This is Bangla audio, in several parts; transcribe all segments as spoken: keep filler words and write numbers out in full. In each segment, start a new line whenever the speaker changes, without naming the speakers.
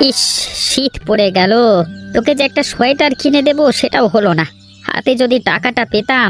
ইস, শীত পড়ে গেল। তোকে যে একটা সোয়েটার কিনে দেবো সেটাও হলো না। হাতে যদি টাকাটা পেতাম।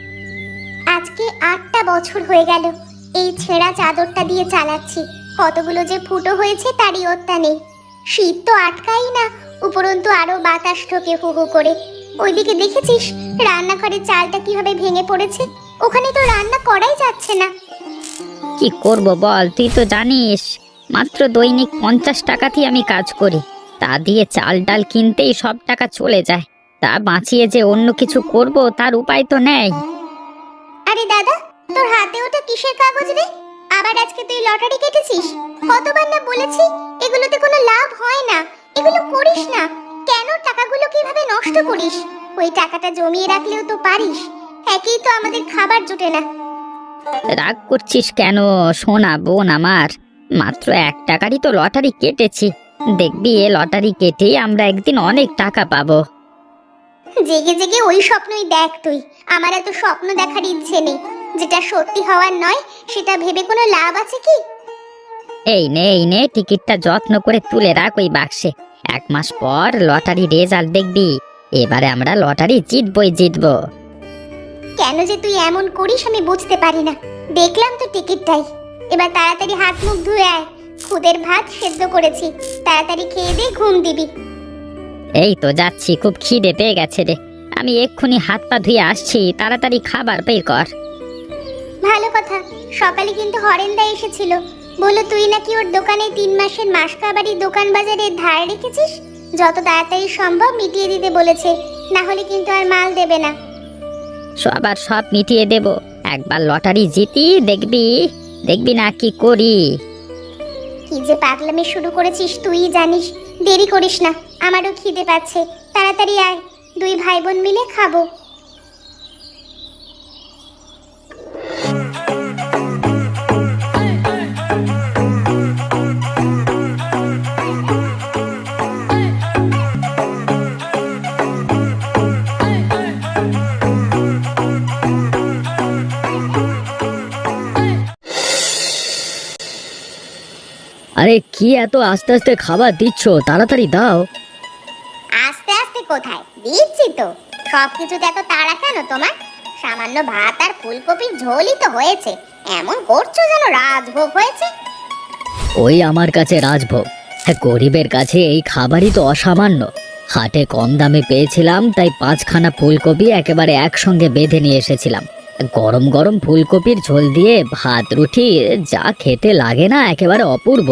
আজকে আটটা বছর হয়ে গেল এই ছেঁড়া চাদরটা দিয়ে চালাচ্ছি। কতগুলো যে ফুটো হয়েছে তারই ওত্তা নেই। শীত তো আটকাই না, উপরন্তু আরো বাতাস ঢোকে হু হু করে। ওইদিকে দেখেছিস রান্নাঘরের চালটা কিভাবে ভেঙে পড়েছে? ওখানে তো রান্না করাই যাচ্ছে না।
কি করব বল, তুই তো জানিস মাত্র দৈনিক পঞ্চাশ টাকাতেই আমি কাজ করি। তা দিয়ে চাল ডাল কিনতেই সব টাকা চলে যায়। তা বাঁচিয়ে যে অন্য কিছু করব তার উপায় তো নেই।
আরে দাদা, তোর হাতে ওটা কিসের কাগজ রে? আবার আজকে তুই লটারি কেটেছিস? কতবার না বলেছি এগুলোতে কোনো লাভ হয় না, এগুলো করিস না। কেন টাকাগুলো কিভাবে নষ্ট করিস? ওই টাকাটা জমিয়ে রাখলেও তো পারিস। একেই তো আমাদের খাবার জোটে না।
রাগ করছিস কেন সোনা বোন আমার? মাত্র এক টাকারই তো লটারি কেটেছি। দেখবি এ লটারি কেটেই আমরা একদিন অনেক টাকা পাবো।
জেগে জেগে ওই স্বপ্নই দেখ তুই। আমার এত স্বপ্ন দেখার ইচ্ছে নেই। যেটা সত্যি হওয়ার নয় সেটা ভেবে কোনো লাভ আছে কি?
এই নে এই নে টিকিটটা যত্ন করে তুলে রাখ ওই বাক্সে। এক মাস পর লটারি রেজাল্ট দেখবি। এবারে আমরা লটারি জিতবই জিতবো।
কেন যে তুই এমন করিস আমি বুঝতে পারি না। দেখলাম তো টিকিটটাই। এবার তাড়াতাড়ি হাত মুখ ধুয়ে আয়। খুদের ভাত সেদ্ধ করেছি, তাড়াতাড়ি খেয়ে দিয়ে ঘুম দিবি।
এই তো যাচ্ছি, খুব খিদে পেয়ে গেছে রে। আমি এক্ষুনি হাত পা ধুয়ে আসছি, তাড়াতাড়ি খাবার বের কর।
ভালো কথা। সকালে কিন্তু হরেন্দা এসেছিল, বললো তুই নাকি ওর দোকানে তিন মাসের মাসকাবাড়ি দোকান বাজারে ধার রেখেছিস। যত তাড়াতাড়ি সম্ভব মিটিয়ে দিতে বলেছে, না হলে কিন্তু আর মাল দেবে না।
সবার সব মিটিয়ে দেব। একবার লটারি জিতি দেখবি, দেখবি না কি করি।
কি যে পাগলামি শুরু করেছিস তুই জানিস। দেরি করিস না, আমারও খিদে পাচ্ছে। তাড়াতাড়ি আয়, দুই ভাই বোন মিলে খাবো।
আরে কি এত আস্তে আস্তে খাবার দিচ্ছ, তাড়াতাড়ি দাও।
আস্তে আস্তে কোথায়, দিচ্ছি তো। সবকিছুতে এত তাড়া কেন তোমার? সামান্য ভাত আর ফুলকপির ঝোলই তো হয়েছে, এমন করছো যেন রাজভোগ হয়েছে।
ওই আমার কাছে রাজভোগ? হ্যাঁ, গরিবের কাছে এই খাবারই তো অসামান্য। হাটে কম দামে পেয়েছিলাম তাই পাঁচখানা ফুলকপি একেবারে একসঙ্গে বেঁধে নিয়ে এসেছিলাম। গরম গরম ফুলকপির ঝোল দিয়ে ভাত রুটি যা খেতে লাগে না, একেবারে অপূর্ব।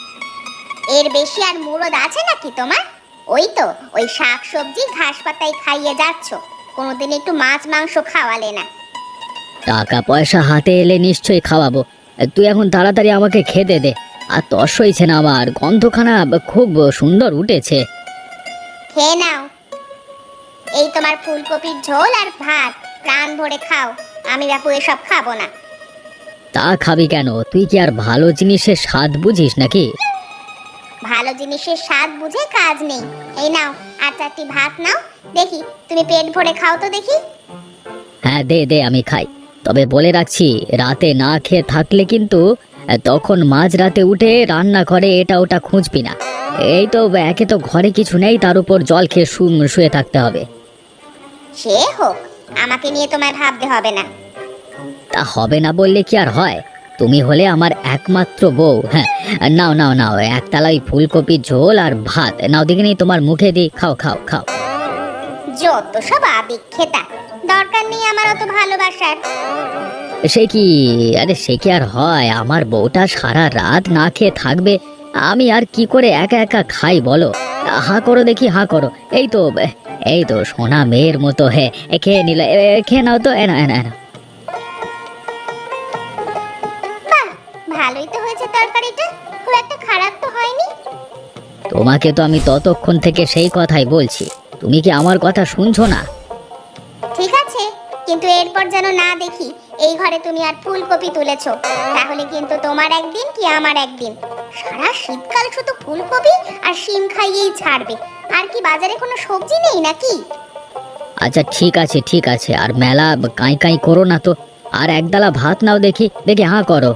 এর বেশি আর মুরদ আছে নাকি তোমার? ওই তো ওই শাক সবজি ঘাস পাতায় খাইয়ে যাচ্ছ, কোনোদিন একটু মাছ মাংস খাওয়ালে না।
টাকা পয়সা হাতে এলে নিশ্চয়ই খাওয়াবো। তুই এখন তাড়াতাড়ি আমাকে খেতে দে। আর তস হয়েছে না, আমার গন্ধখানা খুব সুন্দর উঠেছে।
খেয়ে নাও, এই তোমার ফুলকপির ঝোল আর ভাত, প্রাণ ভরে খাও। আমি বাপু এসব খাবো না।
তা খাবি কেন? তুই কি আর ভালো জিনিসের স্বাদ বুঝিস নাকি?
ভালো জিনিসের স্বাদ বুঝে কাজ নেই। এই নাও আর চারটি ভাত নাও, দেখি তুমি পেট ভরে খাও তো দেখি।
হ্যাঁ দে দে, আমি খাই। তবে বলে রাখছি, রাতে না খেয়ে থাকলে কিন্তু তখন মাঝ রাতে উঠে রান্না করে এটা ওটা খুঁজবি না। এই তো একে তো ঘরে কিছু নেই, তার উপর জল খেয়ে শু- শুয়ে থাকতে হবে।
সে হোক, আমাকে নিয়ে তোমায় ভাবতে হবে না।
তা হবে না বললে কি আর হয়? তুমি হলে আমার একমাত্র বউ। হ্যাঁ, নাও নাও নাও, একতলা ওই ফুলকপির ঝোল আর ভাত নাও, দেখে নি তোমার মুখে দিই। খাও খাও খাও।
যত সব আবেগ খেতা, দরকার নেই আমার অত ভালোবাসার।
সে কি? আরে সে কি আর হয়? আমার বউটা সারা রাত না খেয়ে থাকবে, আমি আর কি করে একা একা খাই বলো? হা করো দেখি, হা করো। এই তো, এই তো সোনা মেয়ের মতো। হে এ খেয়ে নিলে, এ, এ, খেয়ে নাও তো। এ না এ না এ না।
বাহ, ভালোই তো হয়েছে তরকারিটা, খুব একটা খারাপ তো হয়নি।
তোমাকে তো আমি ততক্ষণ থেকে সেই কথাই বলছি, তুমি কি আমার কথা শুনছো না?
ঠিক আছে, কিন্তু এরপর যেন না দেখি এই ঘরে তুমি আর ফুলকপি তুলেছো, তাহলে কিন্তু তোমার একদিন কি আমার একদিন। সারা শীতকাল শুধু ফুলকপি আর শিম খাইয়েই ছাড়বে। আর কি বাজারে কোনো সবজি নেই নাকি?
আচ্ছা ঠিক আছে ঠিক আছে, আর মেলা কাঁই কাঁই করো না তো। আর একদালা ভাত নাও দেখি, দেখি হাঁ করো।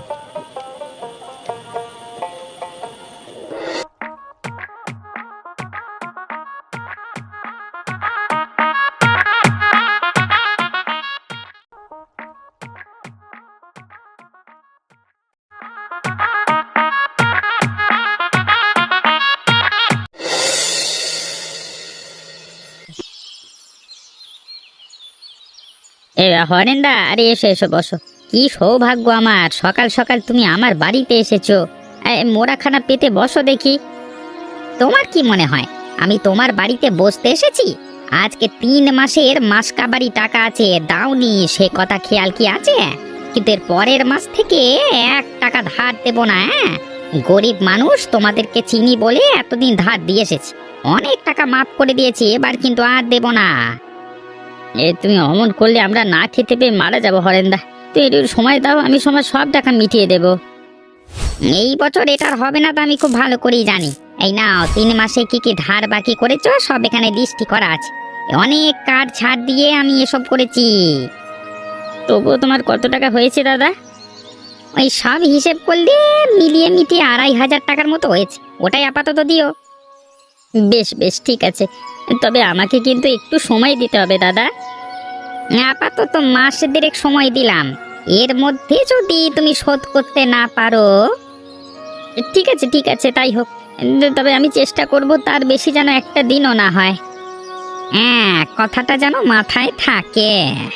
এ হরেন্দা, আরে এসো এসো বসো। কি সৌভাগ্য আমার, সকাল সকাল তুমি আমার বাড়িতে এসেছো। এ, মোড়াখানা পেতে বসো দেখি। তোমার কি মনে হয় আমি তোমার বাড়িতে বসতে এসেছি? আজকে তিন মাসের মাস কাবারি টাকা আছে, দাওনি সে কথা খেয়াল কি আছে? কিন্তু এর পরের মাস থেকে এক টাকা ধার দেব না। হ্যাঁ, গরিব মানুষ, তোমাদেরকে চিনি বলে এতদিন ধার দিয়ে এসেছি। অনেক টাকা মাফ করে দিয়েছি, এবার কিন্তু আর দেব না। এ তুমি অমন করলে আমরা না খেতে পেয়ে মারা যাবো হরেন্দা। তুই একটু সময় দাও, আমি সময় সব টাকা মিটিয়ে দেব। এই বছর এটার হবে না তো আমি খুব ভালো করেই জানি। এই নাও, তিন মাসে কি কি ধার বাকি করেছো সব এখানে লিস্টি করা আছে। অনেক কার্ড ছাড় দিয়ে আমি এসব করেছি। তবুও তোমার কত টাকা হয়েছে দাদা? ওই সব হিসেব করলে মিলিয়ে মিটিয়ে আড়াই হাজার টাকার মতো হয়েছে। ওটাই আপাতত দিও। বেশ বেশ, ঠিক আছে। তবে আমাকে কিন্তু একটু সময় দিতে হবে দাদা। আপাতত মাস দেড়েক সময় দিলাম, এর মধ্যে যদি তুমি শোধ করতে না পারো। ঠিক আছে ঠিক আছে, তাই হোক। তবে আমি চেষ্টা করব তার বেশি যেন একটা দিনও না হয়। হ্যাঁ, কথাটা যেন মাথায় থাকে।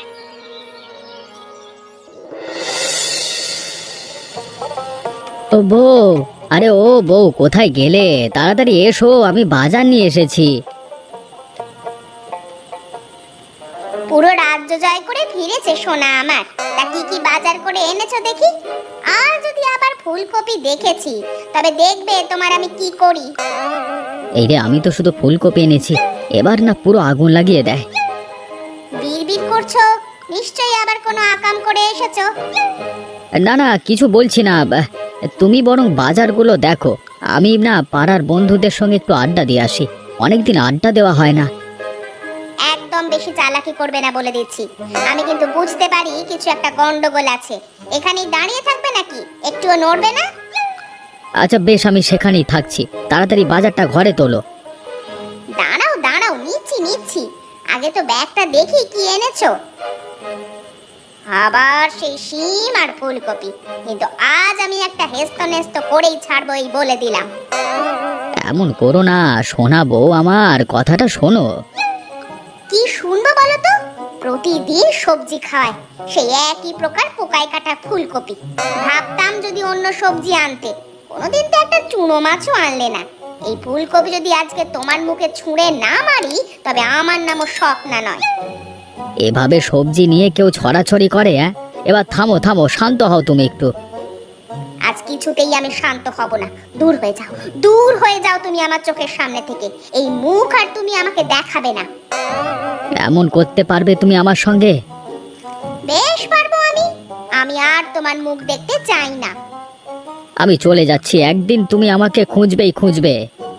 ও বউ, আরে ও বউ, কোথায় গেলে? তাড়াতাড়ি এসো, আমি বাজার নিয়ে এসেছি।
পুরো রাজ্য জয় করে ফিরেছে সোনা আমার। তা কি কি বাজার করে এনেছো দেখি? আর যদি আবার ফুলকপি দেখেছি, তবে দেখবে তোমার আমি কি করি।
এই রে, আমি তো শুধু ফুলকপি এনেছি, এবার না পুরো আগুন লাগিয়ে দেয়।
বিড়বিড় করছো, নিশ্চয়ই আবার কোনো আকাম করে এসেছো।
না না, কিছু বলছি না। বা- তুমি বরং বাজারগুলো দেখো, আমি না পাড়ার বন্ধুদের সঙ্গে একটু আড্ডা দিয়ে আসি। অনেকদিন আড্ডা দেওয়া হয় না।
একদম বেশি চালাকি করবে না বলে দিচ্ছি। আমি কিন্তু বুঝতে পারি কিছু একটা গন্ডগোল আছে। এখানেই দাঁড়িয়ে থাকবে নাকি? একটুও নড়বে না?
আচ্ছা বেশ, আমি সেখানেই থাকছি। তাড়াতাড়ি বাজারটা ঘরে তোলো।
দাঁড়াও দাঁড়াও, নিচ্ছি নিচ্ছি। আগে তো ব্যাগটা দেখি কি এনেছো। আবার সেই শিম আর ফুলকপি, কিন্তু আজ আমি একটা হেস্ত নেস্ত করেই ছাড়বো, এই বলে দিলাম।
এমন করো না সোনা বউ, আমার কথাটা শোনো।
কি শুনবো বলো তো? প্রতিদিন সবজি খায়, সেই একই প্রকার পোকায় কাটা ফুলকপি। ভাবতাম যদি অন্য সবজি আনতে, কোনোদিন তো একটা চুনো মাছও আনলে না। এই ফুলকপি যদি আজকে তোমার মুখে ছুঁড়ে না মারি, তবে আমার নামও স্বপ্না নয়।
এভাবে সবজি নিয়ে কেউ ছড়াছড়ি করে? হ্যাঁ, এবার থামো থামো, শান্ত হও তুমি একটু।
আজ কিছুতেই আমি শান্ত হব না। দূর হয়ে যাও, দূর হয়ে যাও তুমি আমার চোখের সামনে থেকে। এই মুখ আর তুমি আমাকে দেখাবে না।
এমন করতে পারবে তুমি আমার সঙ্গে?
বেশ পারবো আমি। আমি আর তোমার মুখ দেখতে চাই না।
আমি চলে যাচ্ছি, একদিন তুমি আমাকে খুঁজবেই খুঁজবে।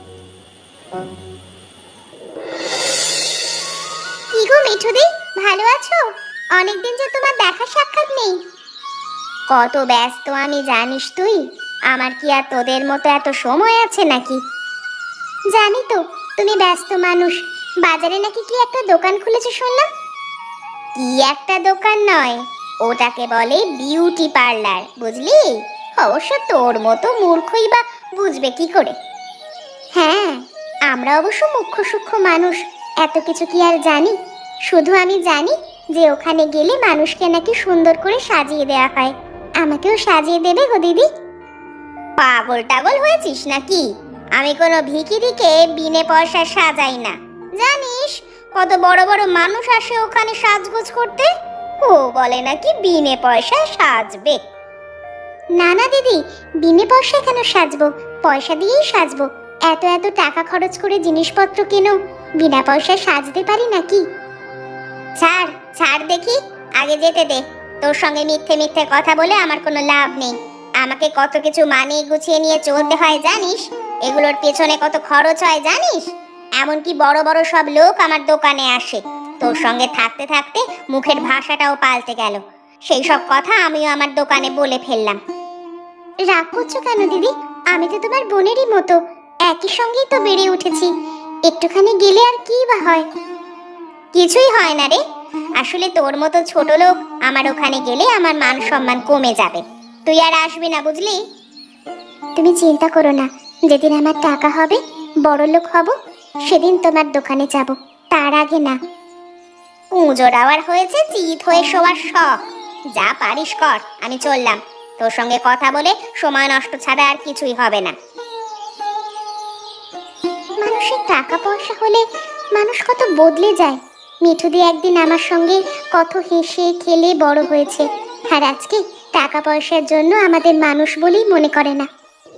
কি গো মিঠুদি, ভালো আছো? অনেকদিন যে তোমার দেখা সাক্ষাৎ নেই। কত ব্যস্ত আমি জানিস তুই। আমার কি আর তোদের মতো এত সময় আছে নাকি? জানি তো তুমি ব্যস্ত মানুষ। বাজারে নাকি কি একটা দোকান খুলেছে শুনলাম। কি একটা দোকান নয়, ওটাকে বলে বিউটি পার্লার, বুঝলি? অবশ্য তোর মতো মূর্খই বা বুঝবে কি করে। হ্যাঁ, আমরা অবশ্য মুখ্য সূক্ষ্ম মানুষ, এত কিছু কি আর জানি? শুধু আমি জানি যে ওখানে গেলে মানুষকে নাকি সুন্দর করে সাজিয়ে দেওয়া হয়। আমাকেও সাজিয়ে দেবে গো দিদি? পাগল টাগল হয়েছিস নাকি? আমি কোনো ভিখিরিকে বিনে পয়সা সাজাই না। জানিস কত বড় বড় মানুষ আসে ওখানে সাজগোজ করতে। ও বলে নাকি বিনে পয়সায় সাজবে। না না দিদি, বিনে পয়সায় কেন সাজবো? পয়সা দিয়েই সাজবো। এত এত টাকা খরচ করে জিনিসপত্র কেন বিনা পয়সায় সাজতে পারি নাকি? ছাড় ছাড় দেখি, আগে যেতে দে। তোর সঙ্গে মিথ্যে মিথ্যে কথা বলে আমার কোনো লাভ নেই। আমাকে কত কিছু মানিয়ে গুছিয়ে নিয়ে চলতে হয় জানিস? এগুলোর পেছনে কত খরচ হয় জানিস? এমনকি বড় বড় সব লোক আমার দোকানে আসে। তোর সঙ্গে থাকতে থাকতে মুখের ভাষাটাও পাল্টে গেল। সেই সব কথা আমিও আমার দোকানে বলে ফেললাম। রাগ করছো কেন দিদি? আমি তো তোমার বোনেরই মতো, একই সঙ্গেই তো বেড়ে উঠেছি। একটুখানি গেলে আর কি বা হয়? কিছুই হয় না রে। আসলে তোর মতো ছোট লোক আমার ওখানে গেলে আমার মান সম্মান কমে যাবে। তুই আর আসবি না, বুঝলি? তুমি চিন্তা করো না, যেদিন আমার টাকা হবে, বড় লোক হব, সেদিন তোমার দোকানে যাব, তার আগে না। পুজোর আবার হয়েছে চিত হয়ে শোয়ার শখ। যা পারিস কর, আমি চললাম। তোর সঙ্গে কথা বলে সময় নষ্ট ছাড়া আর কিছুই হবে না। মানুষের টাকা পয়সা হলে মানুষ কত বদলে যায়। মিঠুদি একদিন আমার সঙ্গে কত হেসে খেলে বড় হয়েছে, আর আজকে টাকা পয়সার জন্য আমাদের মানুষ বলেই মনে করে না।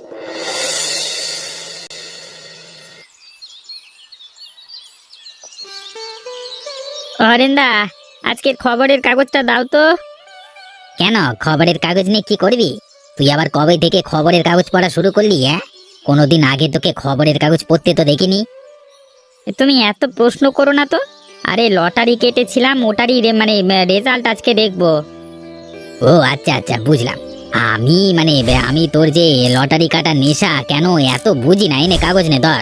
হরেন্দা, আজকের খবরের কাগজটা দাও তো। কেন, খবরের কাগজ নিয়ে কি করবি? তুই আবার কবে থেকে খবরের কাগজ পড়া শুরু করলি? হ্যাঁ, কোনোদিন আগে তোকে খবরের কাগজ পড়তে তো দেখিনি। তুমি এত প্রশ্ন করো না তো। আরে লটারি কেটেছিলাম, ওটারই রে- মানে রেজাল্ট আজকে দেখবো। ও আচ্ছা আচ্ছা, বুঝলাম। আমি মানে বে- আমি তোর যে লটারি কাটার নেশা কেন এত বুঝি না। এনে কাগজ নে ধর।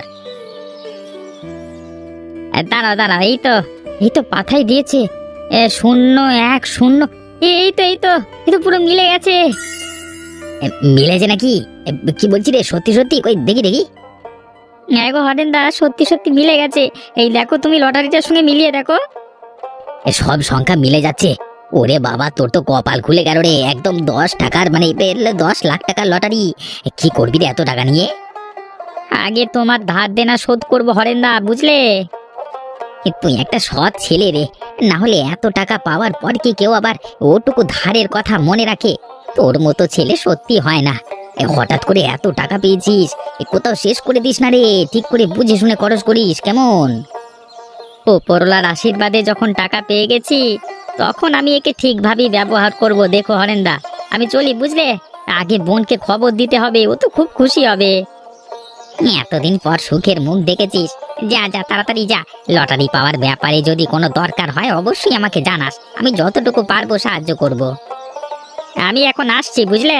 এ, দাঁড়াও দাঁড়াও, এই তো এই তো পাথাই দিয়েছে। এ, শূন্য এক শূন্য। এ, এই তো এই তো এই তো পুরো মিলে গেছে। এ, মিলেছে নাকি? এ, কি বলছি রে, সত্যি সত্যি? কই দেখি দেখি। হ্যাঁ গো হরেন্দা, সত্যি সত্যি মিলে গেছে। এই দেখো, তুমি লটারিটার সঙ্গে মিলিয়ে দেখো। এ, সব সংখ্যা মিলে যাচ্ছে। ওরে বাবা, তোর তো কপাল খুলে গেল রে। একদম দশ টাকার মানে এ, দশ লাখ টাকার লটারি। এ, কি করবি রে এত টাকা নিয়ে? আগে তোমার ধার দেনা শোধ করবো হরেন্দা, বুঝলে? এ, তুই একটা সৎ ছেলে রে। না হলে এত টাকা পাওয়ার পর কি কেউ আবার ওটুকু ধারের কথা মনে রাখে? তোর মতো ছেলে সত্যি হয় না। এ, হঠাৎ করে এত টাকা পেয়েছিস, এ, কোথাও শেষ করে দিস না রে। ঠিক করে বুঝে শুনে খরচ করিস, কেমন? ওপরওয়ালার আশীর্বাদে যখন টাকা পেয়ে গেছি, তখন আমি একে ঠিকভাবেই ব্যবহার করব। দেখো হরেন্দা, আমি চলি, বুঝলে? আগে বোনকে খবর দিতে হবে, ও তো খুব খুশি হবে। এতদিন পর সুখের মুখ দেখেছিস। যা যা, তাড়াতাড়ি যা। লটারি পাওয়ার ব্যাপারে যদি কোনো দরকার হয় অবশ্যই আমাকে জানাস। আমি যতটুকু পারবো সাহায্য করব। আমি এখন আসছি, বুঝলে?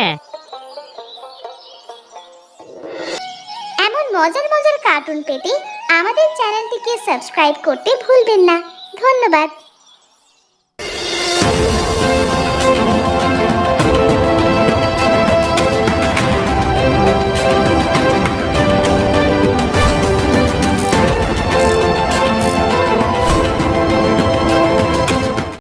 এমন মজার মজার কার্টুন পেতে আমাদের চ্যানেলটিকে সাবস্ক্রাইব করতে ভুলবেন না। ধন্যবাদ।